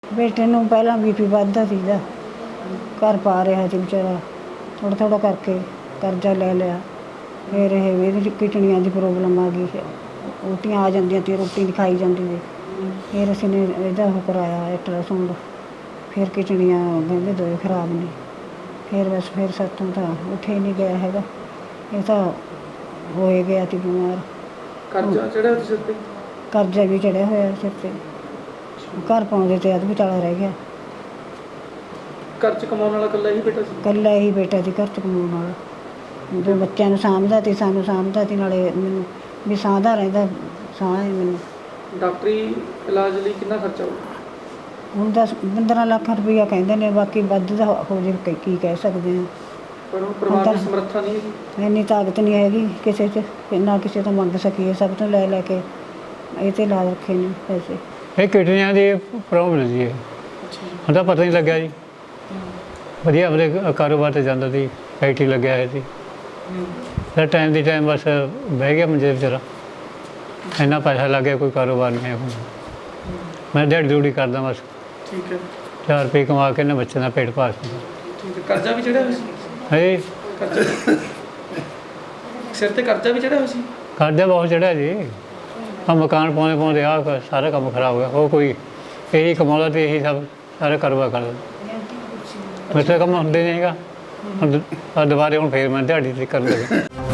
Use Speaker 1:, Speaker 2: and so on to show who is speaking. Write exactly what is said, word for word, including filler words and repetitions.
Speaker 1: ਬੇਟੇ ਨੂੰ ਪਹਿਲਾਂ ਬੀਪੀ ਵੱਧਦਾ ਸੀਗਾ, ਘਰ ਪਾ ਰਿਹਾ ਸੀ ਵਿਚਾਰਾ, ਥੋੜ੍ਹਾ ਥੋੜ੍ਹਾ ਕਰਕੇ ਕਰਜ਼ਾ ਲੈ ਲਿਆ। ਫਿਰ ਇਹ ਇਹਦੇ 'ਚ ਕਿਡਨੀਆਂ ਦੀ ਪ੍ਰੋਬਲਮ ਆ ਗਈ, ਉਲਟੀਆਂ ਆ ਜਾਂਦੀਆਂ ਸੀ, ਰੋਟੀ ਨਹੀਂ ਖਾਈ ਜਾਂਦੀ ਸੀ। ਫਿਰ ਅਸੀਂ ਨੇ ਇਹਦਾ ਉਹ ਕਰਾਇਆ ਅਲਟਰਾਸਾਊਂਡ, ਫਿਰ ਕਿਡਨੀਆਂ ਕਹਿੰਦੇ ਦੋਏ ਖਰਾਬ ਨੇ। ਫਿਰ ਬਸ ਫਿਰ ਸਾਥੋਂ ਤਾਂ ਉੱਠੇ ਨਹੀਂ ਗਿਆ ਹੈਗਾ, ਇਹ ਤਾਂ ਹੋਏ ਗਿਆ ਸੀ ਬਿਮਾਰ।
Speaker 2: ਕਰਜ਼ਾ ਚੜਿਆ ਸਿਰ 'ਤੇ?
Speaker 1: ਕਰਜ਼ਾ ਵੀ ਚੜਿਆ ਹੋਇਆ ਸਿਰ 'ਤੇ, ਘਰ ਪਾਉਂਦੇ ਤੇ ਅੱਧ ਵਿਚਾਲਾ ਰਹਿ ਗਿਆ।
Speaker 2: ਘਰ 'ਚ ਕਮਾਉਣ ਵਾਲਾ ਇਕੱਲਾ ਹੀ ਬੇਟਾ ਸੀ?
Speaker 1: ਇਕੱਲਾ ਹੀ ਬੇਟਾ ਸੀ ਘਰ 'ਚ ਕਮਾਉਣ ਵਾਲਾ, ਜੋ ਬੱਚਿਆਂ ਨੂੰ ਸਾਂਭਦਾ ਸੀ, ਸਾਨੂੰ ਸਾਂਭਦਾ ਸੀ, ਨਾਲੇ ਮੈਨੂੰ ਵੀ ਸਾਂਭਦਾ ਰਹਿੰਦਾ, ਸਾਂਭ ਹੈ ਮੈਨੂੰ।
Speaker 2: ਡਾਕਟਰੀ ਇਲਾਜ ਲਈ ਕਿੰਨਾ ਖਰਚਾ ਹੋਊ?
Speaker 1: ਹੁਣ ਦਸ ਪੰਦਰਾਂ ਲੱਖ ਰੁਪਈਆ ਕਹਿੰਦੇ ਨੇ, ਬਾਕੀ ਵੱਧ ਦਾ ਹੋ ਜੇ ਕੀ ਕਹਿ ਸਕਦੇ ਹਾਂ।
Speaker 2: ਪਰ ਉਹ ਪਰਿਵਾਰ ਦੀ ਸਮਰੱਥਾ ਨਹੀਂ ਹੈਗੀ,
Speaker 1: ਇੰਨੀ ਤਾਕਤ ਨਹੀਂ ਹੈਗੀ ਕਿਸੇ 'ਚ ਕਿ ਨਾ ਕਿਸੇ ਤੋਂ ਮੰਗ ਸਕੀਏ, ਸਭ ਤੋਂ ਲੈ ਲੈ ਕੇ ਇਹ 'ਤੇ ਲਾ ਰੱਖੇ ਨੇ ਪੈਸੇ।
Speaker 3: ਇਹ ਕਿਡਨੀਆਂ ਦੀ ਪ੍ਰੋਬਲਮ ਜੀ, ਇਹ ਹੁਣ ਤਾਂ ਪਤਾ ਨਹੀਂ ਲੱਗਿਆ ਜੀ। ਵਧੀਆ ਆਪਣੇ ਕਾਰੋਬਾਰ 'ਤੇ ਜਾਂਦਾ ਸੀ, ਫੈਕਟਰੀ ਲੱਗਿਆ ਹੋਇਆ ਸੀ। ਫਿਰ ਟਾਈਮ ਦੀ ਟਾਈਮ ਬਸ ਬਹਿ ਗਿਆ ਮੰਜੇ ਵਿਚਾਰਾ, ਇੰਨਾ ਪੈਸਾ ਲੱਗ ਗਿਆ, ਕੋਈ ਕਾਰੋਬਾਰ ਨਹੀਂ ਹੈ ਹੁਣ। ਮੈਂ ਦਿਹਾੜੀ ਦਿਹੜੀ ਕਰਦਾ ਬਸ,
Speaker 2: ਠੀਕ ਹੈ,
Speaker 3: ਚਾਰ ਰੁਪਏ ਕਮਾ ਕੇ ਨਾ ਬੱਚਿਆਂ ਦਾ ਪੇਟ ਭਾਲ ਸਕਦਾ।
Speaker 2: ਠੀਕ ਹੈ। ਕਰਜ਼ਾ ਵੀ ਚੜਿਆ ਹੋਇਆ ਸੀ?
Speaker 3: ਹੈ
Speaker 2: ਕਰਜ਼ਾ ਸਿਰ 'ਤੇ ਕਰਜ਼ਾ ਵੀ ਚੜਿਆ ਹੋਇਆ ਸੀ?
Speaker 3: ਕਰਜ਼ਾ ਬਹੁਤ ਚੜਿਆ ਜੀ, ਆ ਮਕਾਨ ਪਾਉਂਦੇ ਪਾਉਂਦੇ ਆਹ ਸਾਰਾ ਕੰਮ ਖਰਾਬ ਹੋ ਗਿਆ। ਉਹ ਕੋਈ ਇਹੀ ਕਮਾਉਂਦਾ ਅਤੇ ਇਹੀ ਸਭ ਸਾਰਾ ਕਾਰੋਬਾਰ ਕਰਦਾ, ਮੇਰੇ ਤੋਂ ਕੰਮ ਹੁੰਦੇ ਨਹੀਂ ਹੈਗਾ। ਹੁਣ ਦੁਬਾਰੇ ਹੁਣ ਫੇਰ ਮੈਂ ਦਿਹਾੜੀ 'ਤੇ ਕਰਨ ਲੱਗਾ।